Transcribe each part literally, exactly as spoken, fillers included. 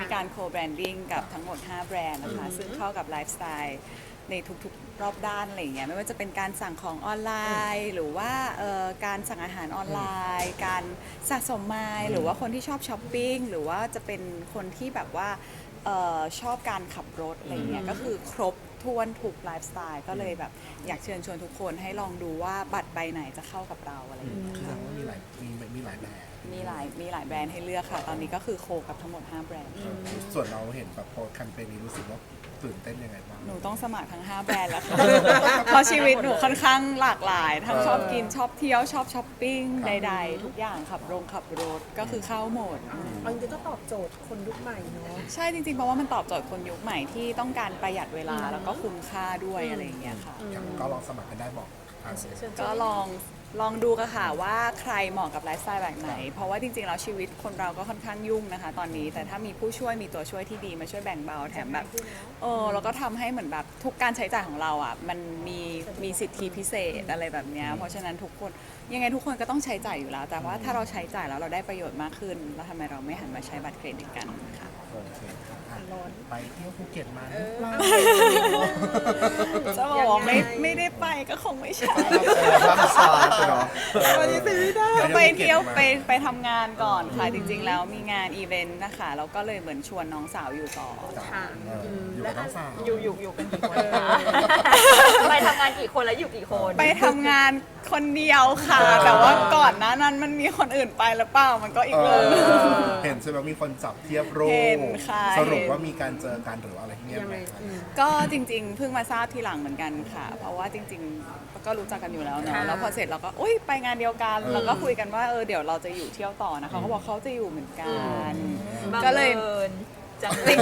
การโคแบรนดิ้งกับทั้งหมดห้าแบรนด์นะคะซึ่งเข้ากับไลฟ์สไตล์ในทุกๆรอบด้านอะไรอย่างเงี้ยไม่ว่าจะเป็นการสั่งของออนไลน์หรือว่าเอ่อการสั่งอาหารออนไลน์ การสะสมไมล์หรือว่าคนที่ชอบช้อปปิ้งหรือว่าจะเป็นคนที่แบบว่าเอ่อชอบการขับรถอะไรเงี้ยก็คือครบถ้วนทุกไลฟ์สไตล์ก็เลยแบบอยากเชิญชวนทุกคนให้ลองดูว่าบัตรใบไหนจะเข้ากับเราอะไรอย่างเงี้ยแสดงว่ามีหลายมีมีหลายแบบมีหลายมีหลายแบรนด์ให้เลือกค่ะ ตอนนี้ก็คือโคกับทั้งหมดห้าแบรนด์ส่วนเราเห็นแบบโพสแคมเปญนี้รู้สึกว่าตื่นเต้นยังไงบ้างหนูต้องสมัครทั้งห้าแบรนด์แล้วค่ะ เพราะชีวิตหนูค่อนข้างหลากหลาย ทั้งชอบกินชอบเที่ยวชอบช้อปปิ้งใดๆ ทุกอย่างขับโรงขับรถก็คือเข้าหมดเอาจริงๆก็ตอบโจทย์คนยุคใหม่เนาะใช่จริงๆ เพราะว่ามันตอบโจทย์คนยุคใหม่ที่ต้องการประหยัดเวลาแล้วก็คุ้มค่าด้วยอะไรอย่างเงี้ยค่ะก็ลองสมัครกันได้บอกทางก็ลองลองดูกันค่ะว่าใครเหมาะกับไลฟ์สไตล์แบบไหน เพราะว่าจริงๆแล้วชีวิตคนเราก็ค่อนข้างยุ่งนะคะตอนนี้แต่ถ้ามีผู้ช่วยมีตัวช่วยที่ดีมาช่วยแบ่งเบาแถมแบบเออแล้วก็ทำให้เหมือนแบบทุกการใช้จ่ายของเราอ่ะมันมีมีสิทธิพิเศษอะไรแบบเนี้ยเพราะฉะนั้นทุกคนยังไงทุกคนก็ต้องใช้จ่ายอยู่แล้ว แต่ว่าถ้าเราใช้จ่ายแล้วเราได้ประโยชน์มากขึ้นแล้วทำไมเราไม่หันมาใช้บัตรเครดิตกันค่ะโอเคอ่ะไปเที่ยวภูเก็ตมาหรือเปล่าจะบอกว่าไม่ไม่ได้ไปก็คงไม่ใช่ภาพซ้ายไปเนาะวันนี้ซื้อไม่ได้ไปเที่ยวไปไปทำงานก่อนค่ะจริงๆแล้วมีงานอีเวนต์นะคะแล้วก็เลยเหมือนชวนน้องสาวอยู่ต่อค่ะเอออยู่กับน้องสาวอยู่อยู่อยู่กันกี่คนคะไปทำงานกี่คนแล้วอยู่กี่คนไปทำงานคนเดียวค่ะ แต่ว่าก่อนหน้านั้นมันมีคนอื่นไปหรือเปล่ามันก็อีกเอเรื่องหนึ่งอเห็นใช่ไหมมีคนจับเทียบรูปเห็นค่ะสรุปเห็นว่ามีการเจอกันหรืออะไรเงี้ยยังไหไงมอืมก็จริงๆ เพิ่งมาทราบทีหลังเหมือนกันค่ะ เพราะว่าจริงๆ ก็รู้จักกันอยู่แล้วเนาะค่ะแล้วพอเสร็จเราก็อุ้ยไปงานเดียวกันแล้วก็คุยกันว่าเออเดี๋ยวเราจะอยู่เที่ยวต่อนะคะเขาบอกเขาจะอยู่เหมือนกัน ก็เลยบังอิญจังจริง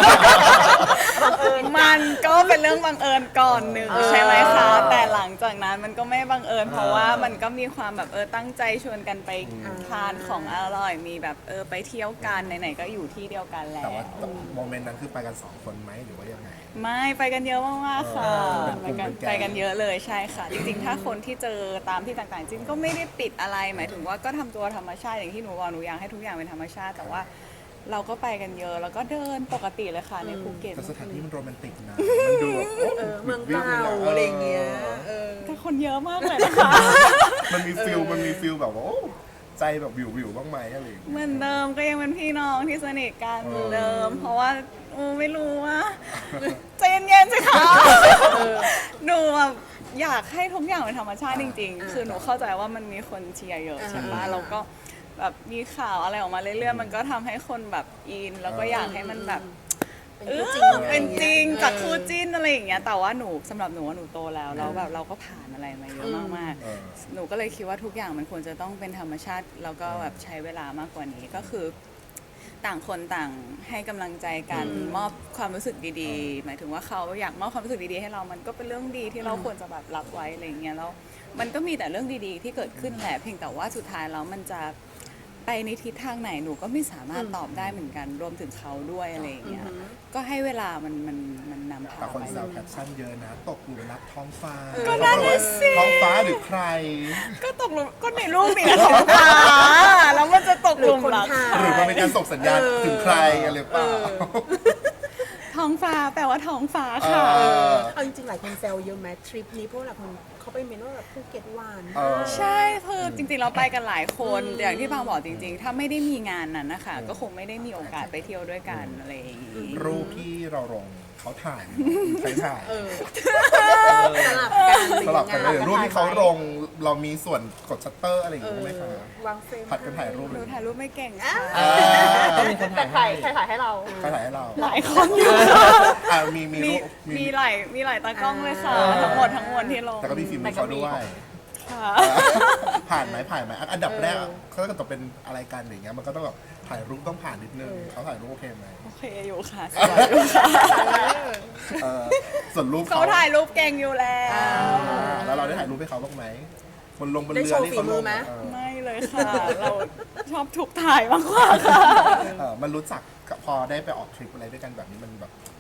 ๆมันก็เป็นเรื่องบังเอิญก่อนหนึ่งใช่ไหมคะ แต่หลังจากนั้นมันก็ไม่บังเอิญเพราะว่ามันก็มีความแบบเออตั้งใจชวนกันไปทานของอร่อยมีแบบเออไปเที่ยวกันไหนๆก็อยู่ที่เดียวกันแล้แต่วว่าโมเมนต์นั้นคือไปกันสองคนไหมหรือว่ายังไงไม่ไปกันเยอะมากๆค่ะเออไปกันเป็นกลุ่มเป็นแก๊งไปกันเยอะเลยใช่ค่ะ จริงๆ ถ้าคนที่เจอตามที่ต่างๆ จริงก็ไม่ได้ปิดอะไรหมายถึงว่าก็ทำตัวธรรมชาติอย่างที่หนูบอกหนูอยากให้ทุกอย่างเป็นธรรมชาติ แต่ว่าเราก็ไปกันเยอะแล้วก็เดินปกติเลยค่ะในภูเก็ตแต่สถานที่มันโรแมนติกนะ มันดูแบบโอ้เออเมืองเก่าอะไรอย่างเงี้ยเออแต่คนเยอะมากเลยนะคะมันมีฟิลมันมีฟิลแบบว่าโอ้ใจแบบวิววิวบ้างไหมอะไรอย่างเงี้ยเหมือนเดิมก็ยังเป็นพี่น้องที่สนิทกันเหมือนเดิม เพราะว่าอูไม่รู้ว่าใจเย็นๆสิคะหนูแบบอยากให้ทุกอย่างเป็นธรรมชาติจริง ๆ คือหนูเข้าใจว่ามันมีคนเชียร์เยอะใช่ปะแล้วก็แบบมีข่าวอะไรออกมาเรื่อยๆมันก็ทำให้คนแบบอิน แล้วก็อยากให้มันแบบเป็นเอคู่อจริงเป็นจริงจากคู่จริงจิ้นอะไรอย่างเงี้ยแต่ว่าหนูสำหรับหนูว่าหนูโตแล้วแล้วแบบเราก็ผ่านอะไรมาเยอะมากเออๆ หนูก็เลยคิดว่าทุกอย่างมันควรจะต้องเป็นธรรมชาติแล้วก็แบบใช้เวลามากกว่านี้ก็คือ ต่างคนต่างให้กำลังใจกันมอบความรู้สึกดีๆ หมายถึงว่าเขาอยากมอบความรู้สึกดีๆให้เรามันก็เป็นเรื่องดีที่เราควรจะแบบรับไว้อะไรอย่างเงี้ยแล้วมันก็มีแต่เรื่องดีๆ ที่เกิดขึ้นแหละเพียงแต่ว่าสุดท้ายแล้วมันจะไปในทิศทางไหนหนูก็ไม่สามารถตอบได้เหมือนกันรวมถึงเขาด้วยอะไรอย่างเงี้ยก็ให้เวลามันมันมันนำพาแต่คนไปแซวแคปชั่นเยอะนะ ตกหลุมรักท้องฟ้าก็นั่นน่ะสิท้องฟ้าหรือใครก็ตกหลุมก็ในรูปมีแต่ท้องฟ้าแล้วมันจะตกหลุมรักหรือมันเป็นการส่งสัญญาณถึงใครอะไรเปล่าท้องฟ้าแปลว่าท้องฟ้าเอค่ะอเอาจริงๆหลายคนแซวเยอะไหมทริปนี้เพราะหลายคนเขาไปเมนว่าแบบภูเก็ตหวานเออใช่คือจริงๆเราไปกันหลายคนแต่อย่างที่บางบอกจริง ๆ ถ้าไม่ได้มีงานนั้นนะคะก็คงไม่ได้มีโอกาสไปเที่ยวด้วยกันอะไรอย่างนี้รูปที่เราลงเขาถ่ายใครถ่ายเออสลับกันสลับกันเลยหอรูปยังไงที่เขาลงเรามีส่วนกดชัตเตอร์อะไรอย่างเองี้อไหมคะวางเฟรมผัดกันถ่ายรูปหเลนูยถ่ายรูปไม่เก่งค่ะอ่าแต่ใครใครถ่ายให้เราใครถ่ายให้เราหลายคนอยู่ค่ะอ่ามีมีมีรูปมีหลายมีหลายตากล้องเลยค่ะ ทั้งหมดทั้งมวลที่ลงแต่ก็มีฟิล์มเขาด้วยค่ะผ่านไหมผ่านไหมอันดับแรกเขาก็ต้องเป็นอะไรกันอย่างเงี้ยมันก็ต้องแบบถ่ายรูปต้องผ่านนิดนึงเขาถ่ายรูปโอเคไหมโอเคอยู่ค่ะสวยอยู่ค่ะเออส่วนรูปเขาถ่ายรูปเก่งอยู่แล้วอ่าแล้วเราได้ถ่ายรูปให้เขาบ้างไหมบนลงบนได้เรือโชว์ที่ฝีเขามืลอง ไหมเออไม่เลยค่ะ เราชอบถูกถ่ายมากกว่าค่ะเออมันรู้จักกับพอได้ไปออกทริปอะไรด้วยกันแบบนี้มันแบบ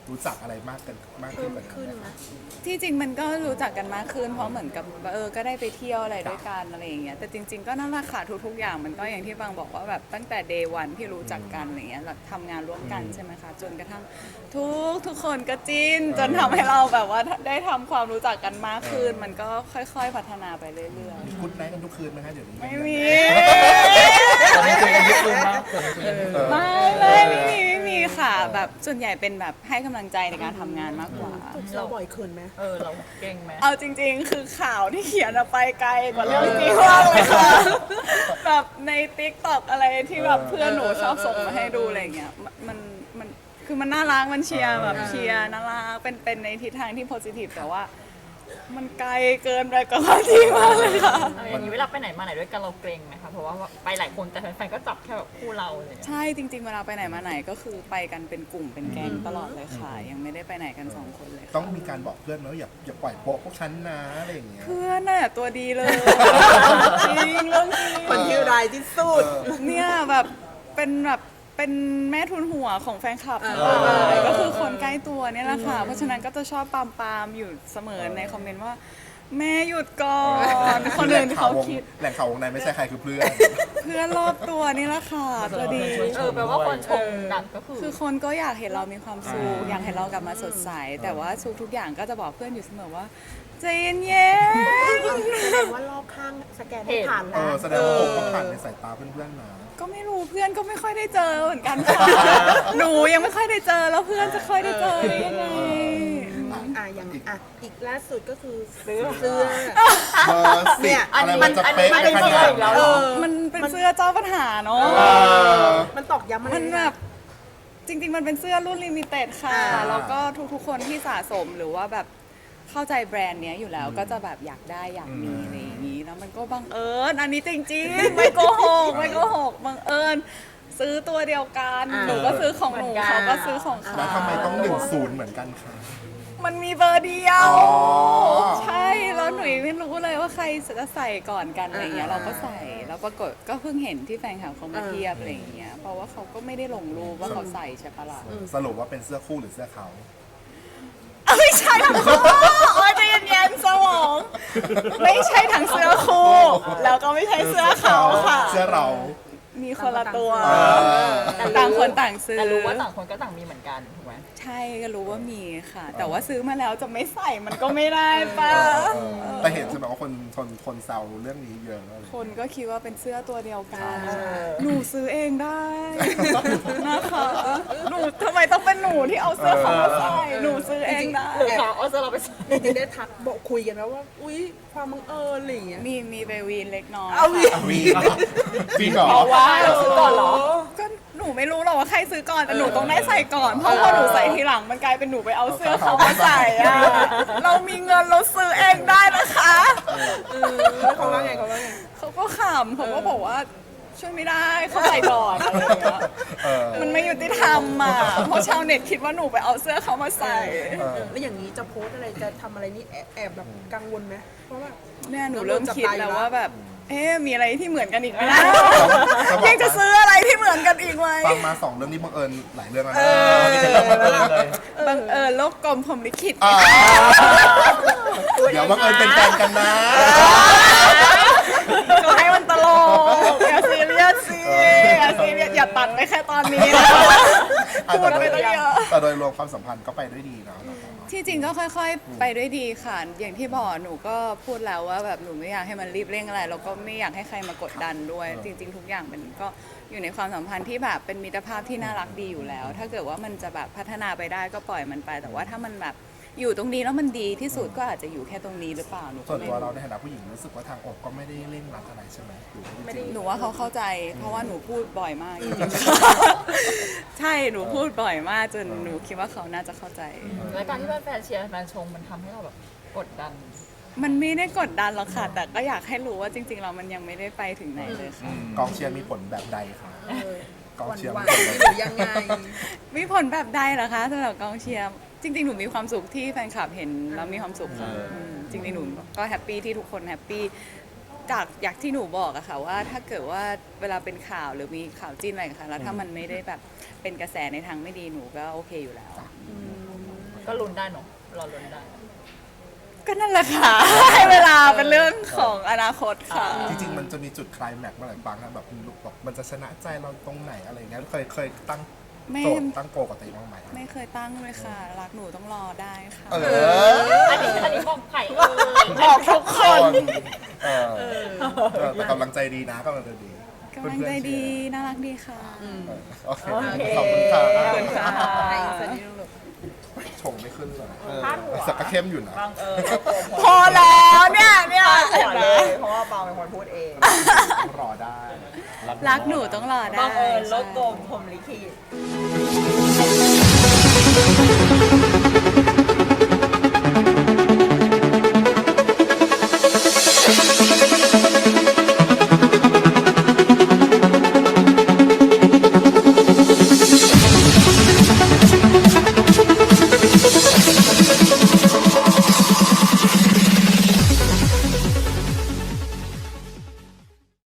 รู้จักอะไรมากกันมากเพิ่ขึ้นมกว่านั้นขึ้นไหมนะที่จริงมันก็รู้จักกันมากขึ้นเพราะเหมือนกับเออก็ได้ไปเที่ยวอะไรด้วยกันอะไรอย่างเงี้ยแต่จริง ๆก็นั่นแหละค่ะทุกๆอย่างมันก็อย่างที่บางบอกว่าแบบตั้งแต่ day one ที่รู้จักกันอะไรเงี้ยเราทำงานร่วมกันใช่ไหมคะจนกระทั่งทุกทุกคนก็จิ้นจนทำให้เราแบบว่าได้ทำความรู้จักกันมากขึ้น มันก็ค่อยๆพัฒนาไปเรื่อยมีกุ๊ดไนท์กันทุกคืนไหมคะเดี๋ยวนี้ๆ ไม่มีตอนนี้คุยกันทุกคืนมากตอนนี้คุยกันทุกคืนไม่เลยไม่มีไม่มีค่ะแบบส่วนใหญ่เป็นแบบให้กำลังใจในการทำงานมากกว่าเราบ่อยเขินไหมเออเราเก่งไหมเอาจริงๆ คือข่าวที่เขียนอะไปไกลกว่าเรื่องจริงมากเลยค่ะ แบบในติ๊กต็อกอะไรที่แบบเพื่อนหนูชอบส่งมาให้ดูอะไรเงี้ยมันมันมันคือมันน่ารักมันเชียร์แบบเชียร์น่ารักเป็นเป็นในทิศทางที่โพสิทีฟแต่ว่า มันไกลเกินไปกับความจริงมากเลยค่ะเอาอย่างนี้เวลาไปไหนมาไหนด้วยกันเราเกรงไหมคะเพราะว่าไปหลายคนแต่แฟนๆก็จับแค่แบบคู่เราอะไรอย่างเลยใช่จริง ๆ เวลาไปไหนมาไหนก็คือไปกันเป็นกลุ่มเป็นแก๊งตลอดเลยค่ะ ยังไม่ได้ไปไหนกันสองคนเลยค่ะต้องมีการบอกเพื่อนนะว่าอย่าอย่าปล่อยโป๊ะพวกฉันนะอะไรอย่างเงี้ยเพื่อนน่ะตัวดีเลยจริงเรื่องจริงคนที่ร้ายที่สุดเนี่ยแบบเป็นแบบเป็นแม่ทุนหัวของแฟนคลับทั้งหเออลายก็คือคนใกล้ตัวเนี่ยแหละค่ะ เพราะฉะนั้นก็จะชอบปามปามๆอยู่เสมอในคอมเมนต์ว่า แม่หยุดก่อนคนอื่นเขาคิดแหล่งข่าววงในไม่ใช่ใครคือเพื่อนเพื่อนรอบตัวนี่แหละค่ะตัวดีเออแปลว่าคนชมกันก็คือคือคนก็อยากเห็นเรามีความสุขอยากเห็นเรากลับมาสดใส แต่ว่าทุกทุกๆอย่างก็จะบอกเพื่อนอยู่เสมอว่าใจเย็นแสดงว่ารอบข้างสแกนให้ผ่านเอแล้วอแสดงว่าผมก็ผ่านในสายตาเพื่อนๆนะๆก็ไม่รู้เพื่อนก็ไม่ค่อยได้เจอเหมือนกันค่ะ หนูยังไม่ค่อยได้เจอแล้วเพื่อนจะค่อยได้เจอได้ยังไงอ่ะอย่างอ่ะอีกล่าสุดก็คือเสื้อเบอร์สิบอะไรมันจะเป๊ะอันได้นี้ขมันนาดอีกแล้วนั้นเหรอมันเป็นเสื้อเจ้าปัญหาเนาะเออมันตอกย้ำอะไรมันแบบจริง ๆ มันเป็นเสื้อรุ่นลิมิเต็ดค่ะอ่าแล้วก็ทุกๆ คนที่สะสมหรือว่าแบบเข้าใจแบรนด์เนี้ยอยู่แล้วก็จะแบบอยากได้อยากมีอะไรอย่างนี้แล้วมันก็บังเอิญอันนี้จริงๆ ไม่โกหกไม่โกหกบังเอิญซื้อตัวเดียวกันหนูก็ซื้อของหนูเขาก็ซื้อของเขาแล้วทำไมต้องหนึ่งศูนย์เหมือนกันคะมันมีเบอร์เดียวอ๋อใช่แล้วหนูไม่รู้เลยว่าใครจะใส่ก่อนกันอะไรเงี้ยเราก็ใส่แล้วปรากฏก็เพิ่งเห็นที่แฟนคลับเขามาเทียบอะไรเงี้ยเพราะว่าเขาก็ไม่ได้ลงรูปว่าเขาใส่ใช่ปะล่ะสรุปว่าเป็นเสื้อคู่หรือเสื้อเขาเอาไม่ใช่ทั้งคู่โอ้ยใจเย็นๆสมอง ไม่ใช่ทั้งเสื้อคู่แล้วก็ไม่ใช่เสื้อเขาค่ะเสื้อเรามีคนละตัวเออต่างคนต่างซื้อแต่รู้ว่าต่างคนก็ต่างมีเหมือนกันถูกไหมใช่ก็รู้ว่ามีค่ะ แต่ว่าซื้อมาแล้วจะไม่ใส่มันก็ไม่ได้ป่ะเออแต่เห็นใช่ไหมว่าคนคนคนแซวเรื่องนี้เยอะเลยคนก็คิดว่าเป็นเสื้อตัวเดียวกัน หนูซื้อเองได้นะคะหนูทำไมต้องเป็นหนูที่เอาเสื้อเขามาใส่หนูซื้อเองได้หรือเขาเอาเสื้อเราไปใส่จริงๆได้ทักบอกคุยกันแล้วว่า อุ๊ย ความบังเอิญอะไรอย่างเงี้ยมีมีไปวีนเล็กน้อยเอาอีกค่ะวีนวีนเหรอเพราะว่าเราซื้อก่อนเหรอก็หนูไม่รู้หรอกว่าใครซื้อก่อนแต่หนูต้องได้ใส่ก่อนเพราะพอหนูใส่ทีหลังมันกลายเป็นหนูไปเอาเสื้อเขามาใส่อะเรามีเงินเราซื้อเองได้นะคะเออแล้วเขาว่าไงเขาว่าไงเขาก็ขำเขาก็บอกว่าช่วยไม่ได้เขาใส่ก่อนอะไรอย่างเงี้ยเออมันไม่ยุติธรรมอ่ะเพราะชาวเน็ตคิดว่าหนูไปเอาเสื้อเขามาใส่เออแล้วอย่างนี้จะโพสต์อะไรจะทำอะไรนี่แอบแอบแบบกังวลไหมเพราะว่าเนี่ยหนูเริ่มคิดแล้วว่าแบบ เอ๊ะมีอะไรที่เหมือนกันอีกไหมนะจะบอกยังจะซื้ออะไรที่เหมือนกันอีกไหมฟังมาสองเรื่องนี้บังเอิญหลายเรื่องแล้วเอนะอมีแต่เรื่องบังเอิญเลยบังเอิญโลกกลมผมลิขิตอ่าเดี๋ยวบังเอิญเป็นแฟนกันนะก็ให้มันตลกอย่าซีเรียสสิอย่าซีเรียสอย่าตัดไปแค่ตอนนี้นะ พูดไปตั้งเยอะแต่โดยรวมความสัมพันธ์ก็ไปด้วยดีเนาะที่จริงก็ค่อยๆ ไปด้วยดีค่ะ อย่างที่บอกหนูก็พูดแล้วว่าแบบหนูไม่อยากให้มันรีบเร่งอะไรแล้วก็ไม่อยากให้ใครมากดดันด้วย จริง ๆ ทุกอย่างมันก็อยู่ในความสัมพันธ์ที่แบบเป็นมิตรภาพที่น่ารักดีอยู่แล้ว ถ้าเกิดว่ามันจะแบบพัฒนาไปได้ก็ปล่อยมันไป แต่ว่าถ้ามันแบบอยู่ตรงนี้แล้วมันดีที่สุดก็อาจจะอยู่แค่ตรงนี้หรือเปล่าหนูส่ก็วนไม่ตัวเรารู้ในฐานะผู้หญิงรู้สึกว่าทางอกก็ไม่ได้เร่งรัดอะไรใช่ไหมหรือว่าจริงหนูว่าเขาเข้าใจ เพราะว่าหนูพูดบ่อยมากจริงๆ ใช่หนูพูดบ่อยมากจนหนูคิดว่าเขาน่าจะเข้าใจแล้วการที่แฟนๆเชียร์แฟนชมมันทำให้เราแบบกดดันมันไม่ได้กดดันหรอกค่ะ แต่ก็อยากให้รู้ว่าจริงๆเรามันยังไม่ได้ไปถึงไหนเลยค่ะกองเชียร์มีผลแบบใดคะเออกองเชียร์หวามีนผลๆแบบหรือยังไงมีผลแบบใดเหรอคะสำหรับกองเชียร์จริงๆหนูมีความสุขที่แฟนคลับเห็นแล้วมีความสุขค่ะมจริงๆหนูก็แฮปปี้ที่ทุกคนแฮปปี้จากอยากที่หนูบอกอะค่ะว่าถ้าเกิดว่าเวลาเป็นข่าวหรือมีข่าวจิ้นอะไรกันค่ะแล้วถ้ามันไม่ได้แบบเป็นกระแสในทางไม่ดีหนูก็โอเคอยู่แล้วอืมก็ลุ้นได้เนาะรอลุ้นได้ก็นั่นแหละค่ะ ให้เวลาเป็นเรื่องของอนาคตค่ะจริงๆมันจะมีจุดไคลแม็กซ์เมื่อไหร่บางนะแบบลูกบอกมันจะชนะใจเราตรงไหนอะไรเงี้ยเคยเคยตั้งไม่โจทย์ตั้งโกกับตัวเองบ้างไหมไม่เคยตั้งเลยค่ะ รักหนูต้องรอได้ค่ะเอออันนี้อันนี้บอกไผ่เออบอกทุกคนเออเออแต่กำลังใจดีนะกำลังใจดีกำลังใจดี น่ารักดีค่ะเออโอเคขอบคุณค่ะขอบคุณค่ะไอ้สันนิลูกชงไม่ขึ้นเลยเออพาดหัวสักก็เข้มอยู่นะบางเออพอแล้วเนี่ยเนี่ยพาดหัเห็วนไหมเลยเพราะว่าบางเป็นคนพูดเองรอได้รักหนูต้องรอได้บางเอิญโลกกลใช่มพรหมลิขิต